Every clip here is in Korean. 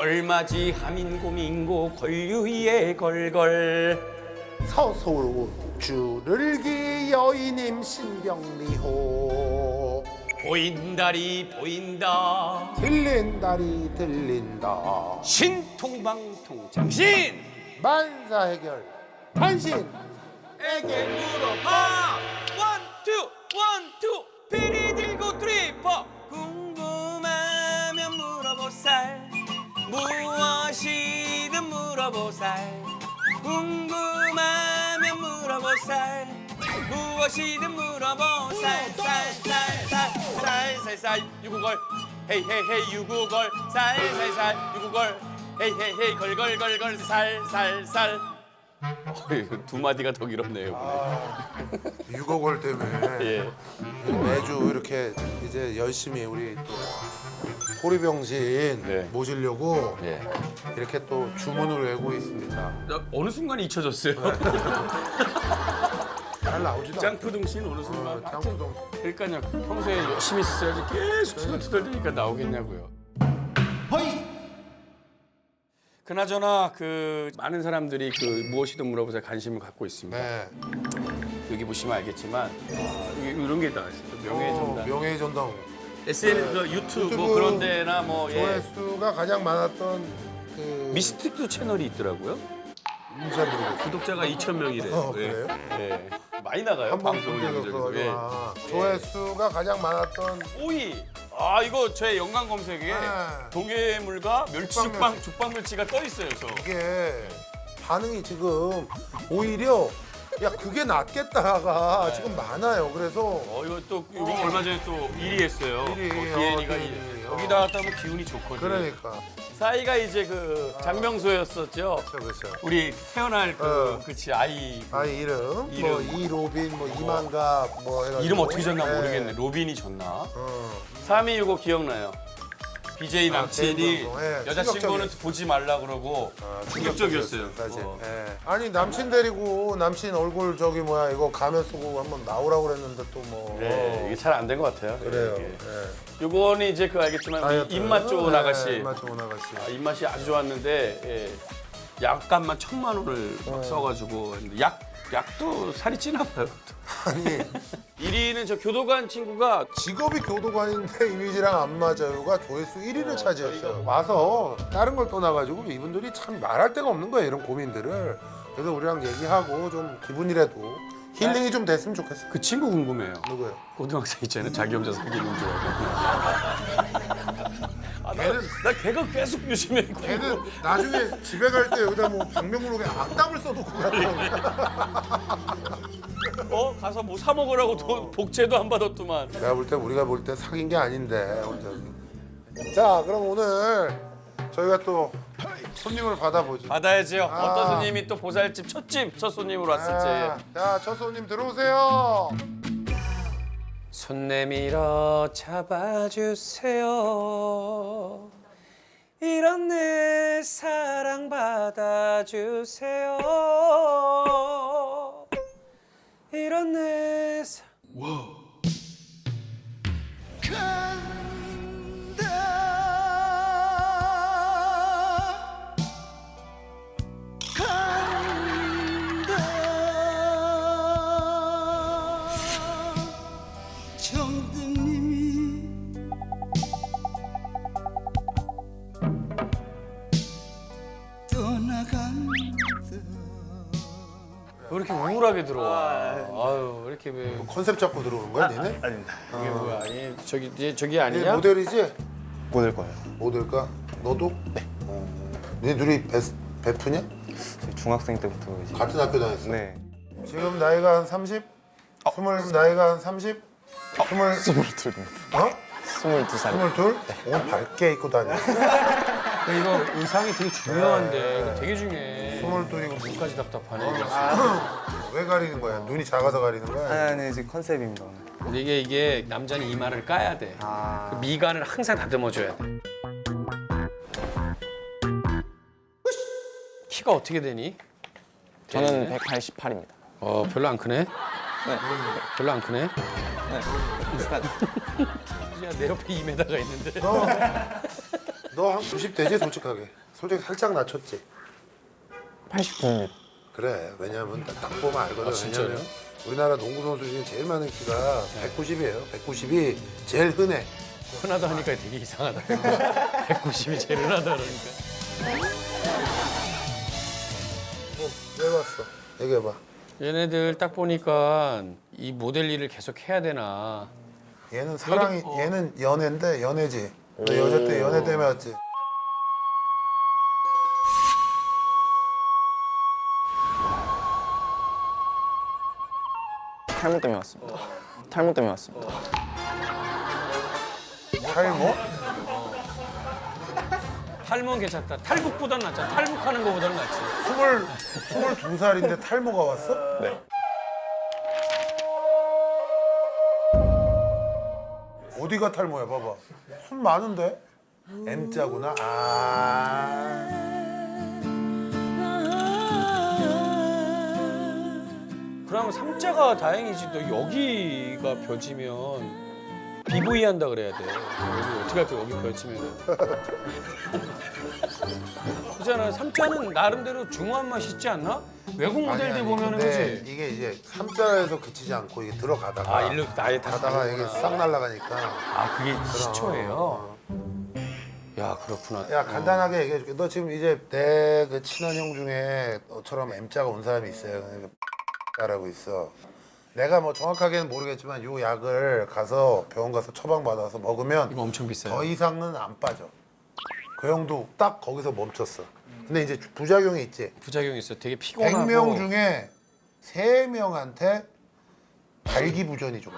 걸맞이 하민고민고 걸유위에 걸걸. 서소주를 기 여인님 신병리호 보인다리 보인다 들린다리 들린다 신통방통장신 만사해결 단신 에게 물어봐 원투 원투 피리 들고 트리퍼 궁금하면 물어보살 무엇이든 물어보살 궁금하면 물어보살 무엇이든 물어보살 살살살살살살 유구걸 헤이헤이헤이 유구걸 살살살 유구걸 헤이헤이헤이 걸걸걸걸 살살살 두 마디가 더 길었네요. 유곡월 때문에 예. 매주 이렇게 이제 열심히 우리 또 호리병신 네. 모시려고 예. 이렇게 또 주문을 외우고 있습니다. 어느 순간 잊혀졌어요. 잘 나오지도 않고. 짱푸둥신 어느 순간. 짱푸동. 그러니까요. 평소에 열심히 했어야지 계속 투덜투덜대니까 나오겠냐고요. 그나저나 그 많은 사람들이 그 무엇이든 물어보자 관심을 갖고 있습니다. 네. 여기 보시면 알겠지만 이런 게 다 있어요. 명예의 전당. 명예의 전당. SNS, 그 유튜브 뭐 유튜브 그런 데나 뭐 예. 조회수가 가장 많았던 그 미스틱도 채널이 있더라고요. 잘 모르겠어요. 구독자가 2,000명이래요. 그래요? 예. 많이 나가요. 한번 방송을 보여줘서 여기저기서. 예. 조회수가 가장 많았던 5위. 아 이거 제 연관 검색에 네. 동해물과 멸치 죽방 멸치가 떠 있어요. 저. 이게 반응이 지금 오히려 야 그게 낫겠다가 지금 많아요. 그래서 이거 또 이거 얼마 전에 또 1위 했어요. 1위, 디엔이가 어, 1위. 디엔이. 여기 나왔다 보면 기운이 좋거든요. 그러니까 사이가 이제 그 장명소였었죠. 그렇죠. 우리 태어날 그치 아이 아이 이름 이름. 뭐 이로빈 뭐 이만갑 뭐 해가지고 이름 어떻게 졌나 네. 모르겠네. 로빈이 졌나? 어. 3위 이거 기억나요. BJ 남친이 개인 방송. 예, 여자친구는 충격적이었어요. 보지 말라 그러고 충격적이었어요. 사실. 예. 아니 남친 데리고 남친 얼굴 저기 뭐야 이거 가면 쓰고 한번 나오라고 그랬는데 또 뭐. 네, 이게 잘 안 된 것 같아요. 그래요. 예. 예. 요거는 이제 그 알겠지만 다이어트. 입맛 좋은 예, 아가씨. 입맛 좋은 아가씨. 입맛이 아주 좋았는데 예. 약값만 1,000만 원을 막 써가지고 했는데 약도 살이 찌나 봐요. 아니 1위는 저 교도관 친구가 직업이 교도관인데 이미지랑 안 맞아요가 조회수 1위를 차지했어요. 와서 다른 걸 떠나가지고 이분들이 참 말할 데가 없는 거예요. 이런 고민들을. 그래서 우리랑 얘기하고 좀 기분이라도 힐링이 좀 됐으면 좋겠어요. 그 친구 궁금해요. 누구예요? 고등학생 있잖아요. 자기 혼자 사귀는 줄 알고. 나 걔가 계속 요즘에 걔는 나중에 집에 갈 때 여기다 뭐 방명록에 악담을 써놓고 갔더라고. 가서 뭐 사 먹으라고 복제도 안 받았더만. 내가 볼 때 우리가 볼 때 사귄 게 아닌데. 자 그럼 오늘 저희가 또 손님을 받아보죠. 받아야지요. 어떤 손님이 또 보살집 첫 손님으로 왔을지. 자, 첫 손님 들어오세요. 손 내밀어 잡아주세요. 이런 내 사랑 받아주세요. 이런 내 정등님이 떠나간다. 왜 이렇게 우울하게 들어와? 아유, 왜 이렇게 왜 컨셉 잡고 들어오는 거야, 니네? 아닙니다. 이게 뭐야? 저기 니 아니냐? 모델이지? 모델 거예요. 모델까? 너도? 네. 니 둘이 베프냐? 저희 중학생 때부터 이제 같은 학교 다녔어? 네. 지금 나이가 한 30? 나이가 한 30? 22입니다. 어? 22살. 22? 옷 밝게 입고 다녀. 근데 이거 의상이 되게 중요한데 이거 되게 중요해. 22이고 눈까지 답답하네. 왜 가리는 거야? 눈이 작아서 가리는 거야? 아니 이제 컨셉입니다 오늘. 근데 이게 남자는 이마를 까야 돼. 그 미간을 항상 다듬어줘야 돼. 키가 어떻게 되니? 저는 188입니다. 별로 안 크네. 네. 별로 안 크네. 네. 비슷한. 그냥 내 옆에 2m가 있는데. 너 한 90 되지 솔직하게. 솔직히 살짝 낮췄지. 89입니다. 그래. 왜냐면 딱 보면 알거든. 진짜요? 왜냐면 우리나라 농구 선수 중에 제일 많은 키가 190이에요. 190이 제일 흔해. 흔하다 하니까 되게 이상하다. 190이 제일 흔하다 그러니까. 왜 봤어? 얘기해봐. 얘네들 딱 보니까 이 모델 일을 계속 해야 되나. 얘는 사랑이, 얘는 연애인데 연애지. 너 여자 때 연애 때문에 왔지. 탈모 때문에 왔습니다. 탈모 때문에 왔습니다. 탈모? 탈모는 괜찮다. 탈북보단 낫잖아. 탈북하는 거보다는 낫지. 22살인데 탈모가 왔어? 네. 어디가 탈모야? 봐봐. 숨 많은데? M자구나. 아. 그러면 삼자가 다행이지. 너 여기가 벼지면 BV 한다 그래야 돼. 여기 어떻게 할 거야? 여기 벼지면. 그잖아. 삼자는 나름대로 중후한 맛이 있지 않나? 외국 모델들 보면은 근데 그지. 이게 이제 3자에서 그치지 않고 이게 들어가다가 아 일로 아예 다 가다가 이게 싹 날아가니까. 아 그게 시초예요. 야 그렇구나. 야 간단하게 얘기해줄게. 너 지금 이제 내 그 친한 형 중에 너처럼 M자가 온 사람이 있어요. 라고 있어. 내가 뭐 정확하게는 모르겠지만 요 약을 가서 병원 가서 처방 받아서 먹으면 이거 엄청 비싸요. 더 이상은 안 빠져. 그 형도 딱 거기서 멈췄어. 근데 이제 부작용이 있지. 부작용이 있어. 되게 피곤하고. 100명 중에 3명한테 발기부전이 좀 와.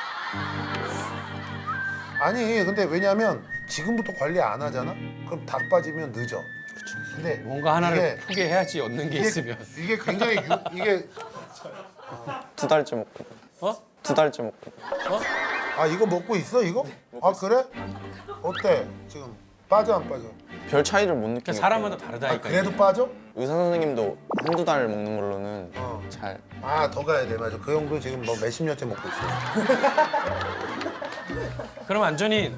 아니 근데 왜냐면 지금부터 관리 안 하잖아? 그럼 다 빠지면 늦어. 근데 뭔가 하나를 이게- 포기해야지 얻는 게 있으면. 이게 굉장히 이게 2달째 먹고. 어? 2달째 먹고. 아 이거 먹고 있어 이거? 아 그래? 어때 지금 빠져 안 빠져? 별 차이를 못 그러니까 느끼고. 사람마다 아 다르다니까. 그래도 빠져? 의사 선생님도 한두 달 먹는 걸로는 어. 잘. 아 더 가야 돼 맞아. 그 형도 지금 뭐 몇십 년째 먹고 있어. 그럼 완전히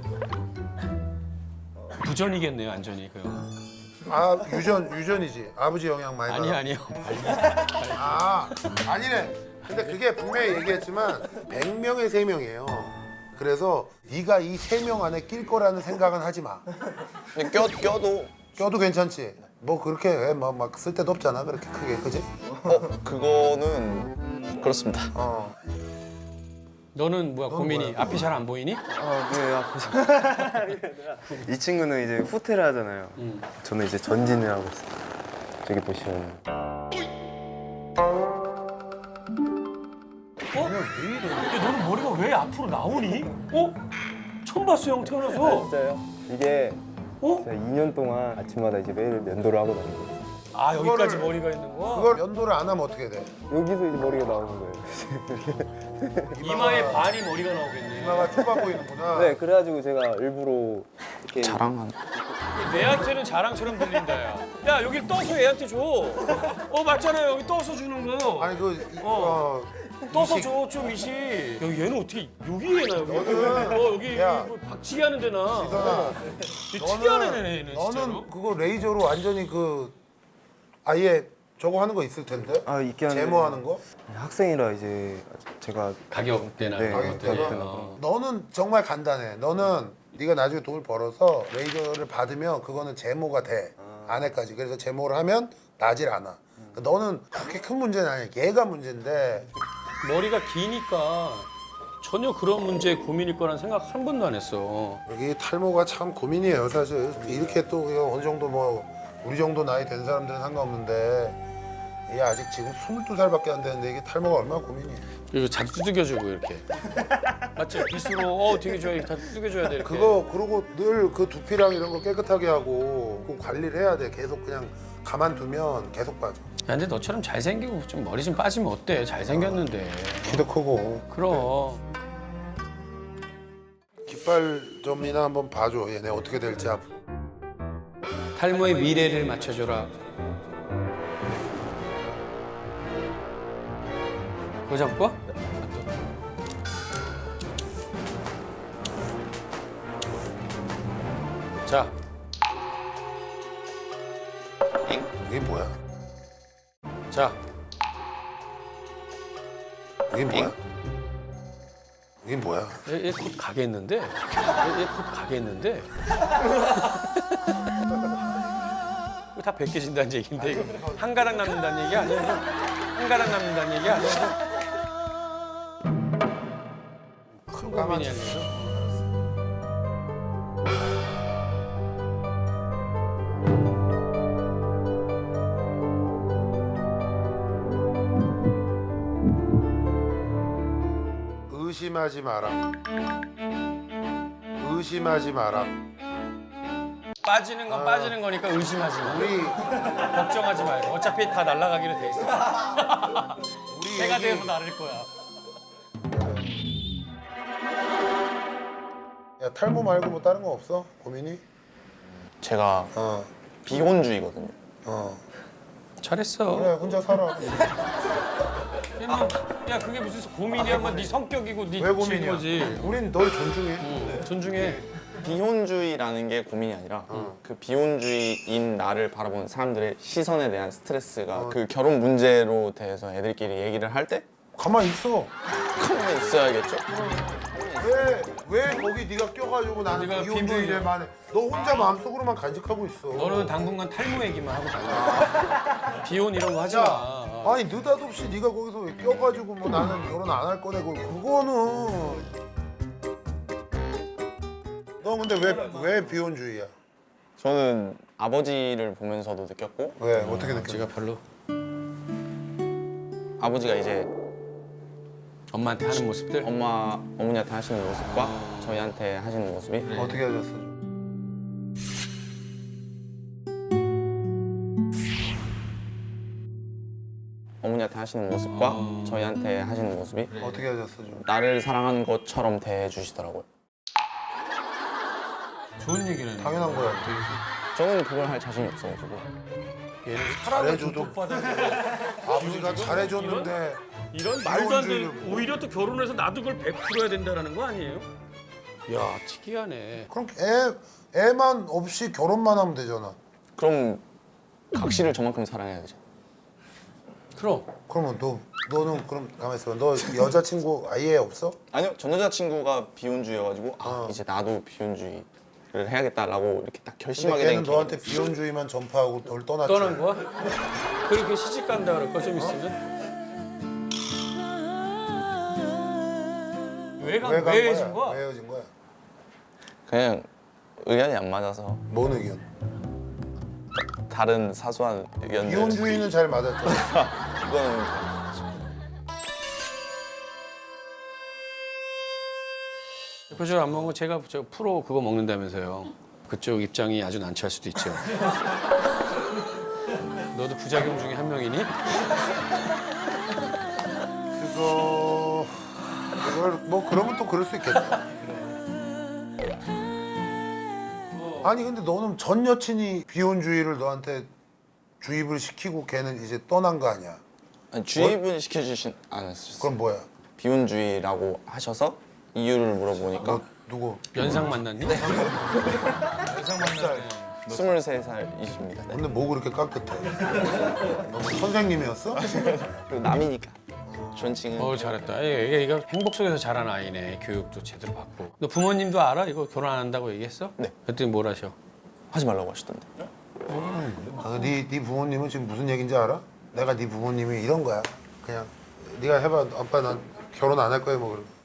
부전이겠네요, 완전히 그 형. 아 유전이지. 아버지 영향 많이 받아. 아니요. 아 아니네. 근데 그게 분명히 얘기했지만 100명에 3명이에요. 그래서 네가 이 3명 안에 낄 거라는 생각은 하지 마. 근데 껴도 껴도 괜찮지. 뭐 그렇게 막 쓸데도 없잖아. 그렇게 크게 그지? 그거는 그렇습니다. 어. 너는 뭐야 고민이 뭐야? 앞이 잘 안 보이니? 네, 앞에서. 이 친구는 이제 후퇴를 하잖아요. 저는 이제 전진을 하고 있어요. 저기 보시면. 야, 너는 머리가 왜 앞으로 나오니? 어? 처음 봤어 형 태어나서. 진짜요? 이게 어? 제가 2년 동안 아침마다 이제 매일 면도를 하고 다니고 아 여기까지 그거를- 머리가 있는 거? 그걸 연도를 안 하면 어떻게 돼? 여기서 이제 머리가 나오는 거예요. 이마에 반이 머리가 나오겠네. 이마가 좁아 보이는구나. 네, 그래가지고 제가 일부러 이렇게 자랑하는. 내한테는 자랑처럼 들린다 야. 야 여기 떠서 얘한테 줘. 맞잖아요 여기 떠서 주는 거. 아니 떠서 이식- 줘 좀 이식. 여기 얘는 어떻게 여기 얘나 여기. 너는- 여기 야. 뭐 박치기 하는 데나. 이선아, 특이한 애네 얘는 진짜로. 너는 그거 레이저로 완전히 그 아예 저거 하는 거 있을 텐데? 있긴 한데 제모하는 거? 학생이라 이제 제가 가격대나 네, 그런 가격대나 것들이. 그런 어. 너는 정말 간단해. 너는 네가 나중에 돈을 벌어서 레이저를 받으면 그거는 제모가 돼. 안에까지. 그래서 제모를 하면 나질 않아. 너는 그렇게 큰 문제는 아니야. 얘가 문제인데 머리가 기니까 전혀 그런 문제에 고민일 거란 생각 한 번도 안 했어. 여기 탈모가 참 고민이에요. 사실 이렇게 또 어느 정도 뭐 우리 정도 나이 된 사람들은 상관없는데 얘 아직 지금 22살밖에 안 되는데 이게 탈모가 얼마나 고민이에요. 이거 자주 두들겨주고 이렇게. 맞지? 빗으로 되게 좋아. 다 두들겨줘야 돼. 이렇게. 그거 그러고 늘 그 두피랑 이런 거 깨끗하게 하고 그 관리를 해야 돼. 계속 그냥 가만두면 계속 빠져. 야, 근데 너처럼 잘생기고 좀 머리 좀 빠지면 어때? 잘생겼는데. 키도 크고. 그럼. 깃발 점이나 한번 봐줘. 얘네 어떻게 될지 앞으로. 탈모의 미래를 맞춰줘라. 그거 잡고? 자, 이게 뭐야? 자, 이게 뭐야? 이게 뭐야? 얘 곧 가겠는데? 얘 곧 가겠는데? 이거 다 벗겨진다는 얘기인데 이거 한 가닥 남는다는 얘기 아니야? 한 가닥 남는다는 얘기 아니야? 큰 고민이 아니죠. 의심하지 마라. 의심하지 마라. 빠지는 건 빠지는 거니까 의심하지 마. 우리 걱정하지 말고. 어차피 다 날아가기로 돼 있어. 우리 새가 얘기 되어서 나를 거야. 야 탈모 말고 뭐 다른 거 없어? 고민이? 제가 어. 비혼주의거든요. 잘했어. 그래 혼자 살아. 야 그게 무슨 고민이야? 네 성격이고 네 왜 고민이야? 거지. 우린 널 존중해. 존중해. 비혼주의라는 게 고민이 아니라 그 비혼주의인 나를 바라보는 사람들의 시선에 대한 스트레스가 그 결혼 문제로 대해서 애들끼리 얘기를 할 때 가만히 있어. 가만히 있어야겠죠? 왜 거기 네가 껴가지고 나는 네가 비혼주의래만 해. 너 혼자 마음속으로만 간직하고 있어. 너는 당분간 탈모 얘기만 하고 다녀. 비혼 이런 거 하지 마. 아니 느닷없이 네가 거기서 왜 껴가지고 뭐 나는 결혼 안 할 거네 그거는. 너 근데 왜 비혼주의야? 저는 아버지를 보면서도 느꼈고 왜 어떻게 느껴? 제가 별로 아버지가 이제 엄마한테 하는 모습들. 어머니한테 하시는 모습과 저희한테 하시는 모습이 어떻게 하셨어? 어머니한테 하시는 모습과 저희한테 하시는 모습이 어떻게 하셨어 좀? 나를 사랑하는 것처럼 대해주시더라고요. 좋은 얘기는. 당연한 거야. 저는 그걸 할 자신이 없어가지고 얘는 잘해줘도 받아. 아버지가 잘해줬는데 이런 말도 안 되는. 비혼주의를 오히려 또 결혼해서 나도 그걸 베풀어야 된다라는 거 아니에요? 야 특이하네. 그럼 애만 없이 결혼만 하면 되잖아. 그럼 각시를 저만큼 사랑해야 되죠. 그럼 그러면 너는 그럼 가만 있어봐. 너 여자친구 아예 없어? 아니요, 전 여자친구가 비혼주의여가지고 이제 나도 비혼주의를 해야겠다라고 이렇게 딱 근데 결심하게 걔는 된 너한테 계기가 비혼주의만 전파하고 널 떠났지. 떠난 거야? 그렇게 시집 간다 그럴 거좀 있으면. 왜 헤어진 거야? 왜 헤어진 거야? 그냥 의견이 안 맞아서 뭔 의견? 다른 사소한 의견들 비혼주의는 잘 맞았잖아. 이거는 대표적으로 안 먹은 거 제가 저 프로 그거 먹는다면서요. 그쪽 입장이 아주 난처할 수도 있죠. 너도 부작용 중에 한 명이니? 그걸 뭐 그러면 또 그럴 수 있겠다. 아니 근데 너는 전 여친이 비혼주의를 너한테 주입을 시키고 걔는 이제 떠난 거 아니야? 아니, 주입은 시켜주신 않으셨어요. 그럼 뭐야? 비혼주의라고 하셔서 이유를 물어보니까 너 누구? 연상 만났니? 연상 만났네. 23살이십니다. 네. 근데 뭐 그렇게 깍듯해? 너 선생님이었어? 그리고 남이니까 존칭은 잘했다. 얘가 행복 속에서 자란 아이네. 교육도 제대로 받고. 너 부모님도 알아? 이거 결혼 안 한다고 얘기했어? 네. 그랬더니 뭘 하셔? 하지 말라고 하시던데. 네 부모님은 지금 무슨 얘기인지 알아? 내가 네 부모님이 이런 거야. 그냥 네가 해봐. 아빠 난 결혼 안 할 거야 뭐 그러고.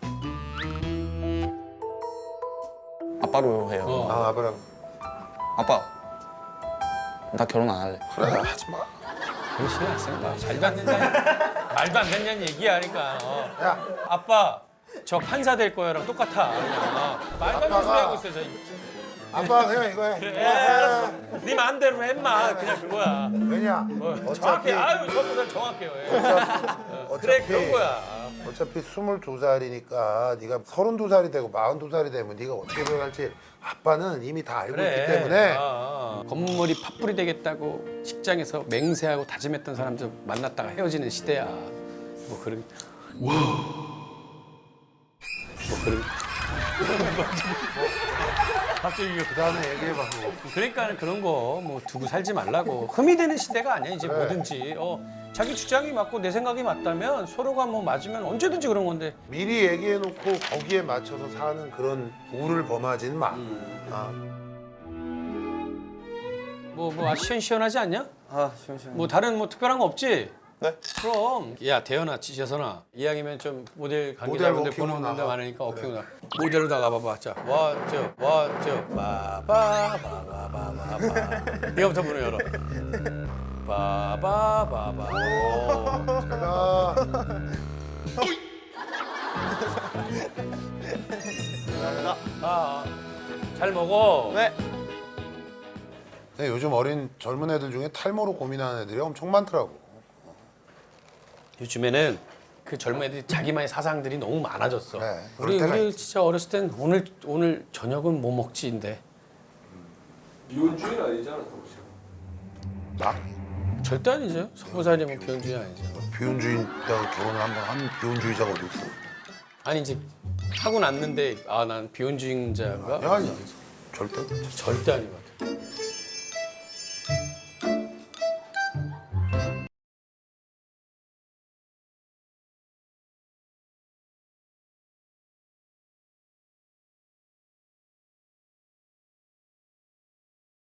아빠로 해요. 아빠랑 아빠, 나 결혼 안 할래. 그래 하지 마. 그런 신경 안 쓰는 거야. 말도 안 된다. 말도 안 된다는 얘기야. 그러니까. 야 아빠, 저 판사 될 거야랑 똑같아. 그냥. 말도 안 되는 소리 하고 있어. 저. 아빠 그냥 이거 해. 예, 알았어. 네 마음대로 해, 임마. 그냥 그거야. 왜냐? 정확해. 아유, 저보다 정확해요. 그래, 그런 거야. 어차피 22살이니까 네가 32살이 되고 42살이 되면 네가 어떻게 변할지 아빠는 이미 다 알고 있기 때문에 검은머리 팥불이 되겠다고 직장에서 맹세하고 다짐했던 사람들 만났다가 헤어지는 시대야. 뭐 그런. 뭐 그런. 갑자기 이거 그다음에 얘기해봐. 뭐. 그러니까 그런 거 뭐 두고 살지 말라고. 흠이 되는 시대가 아니야 이제 그래. 뭐든지. 자기 주장이 맞고 내 생각이 맞다면 서로가 뭐 맞으면 언제든지 그런 건데. 미리 얘기해놓고 거기에 맞춰서 사는 그런 우를 범하진 마. 아, 뭐 시원시원하지 않냐? 아 시원시원. 뭐 다른 뭐 특별한 거 없지? 네. 그럼 야 대현아 지재선아 이왕이면 좀 모델 모델 관계자분들 워킹으로 보는 분들 나가. 많으니까 워킹 나 모델로 나가봐봐. 자 원투 빠바바바바바 이거부터 문을 열어. 빠바바바. 제가 잘 먹어. 네. 근데 요즘 어린 젊은 애들 중에 탈모로 고민하는 애들이 엄청 많더라고. 요즘에는 그 젊은 애들이 자기만의 사상들이 너무 많아졌어. 네, 그럴 때가 우리 있지. 진짜 어렸을 땐 오늘 저녁은 뭐 먹지인데 미혼주의는 아니잖아, 당신. 나 절대 아니죠. 석부살이면 비혼주의 아니죠. 비혼주의자가 결혼을 한번 한 비혼주의자가 어디 있어? 아니 이제 하고 났는데 난 비혼주의자인가? 아니 절대. 절대 아니거든.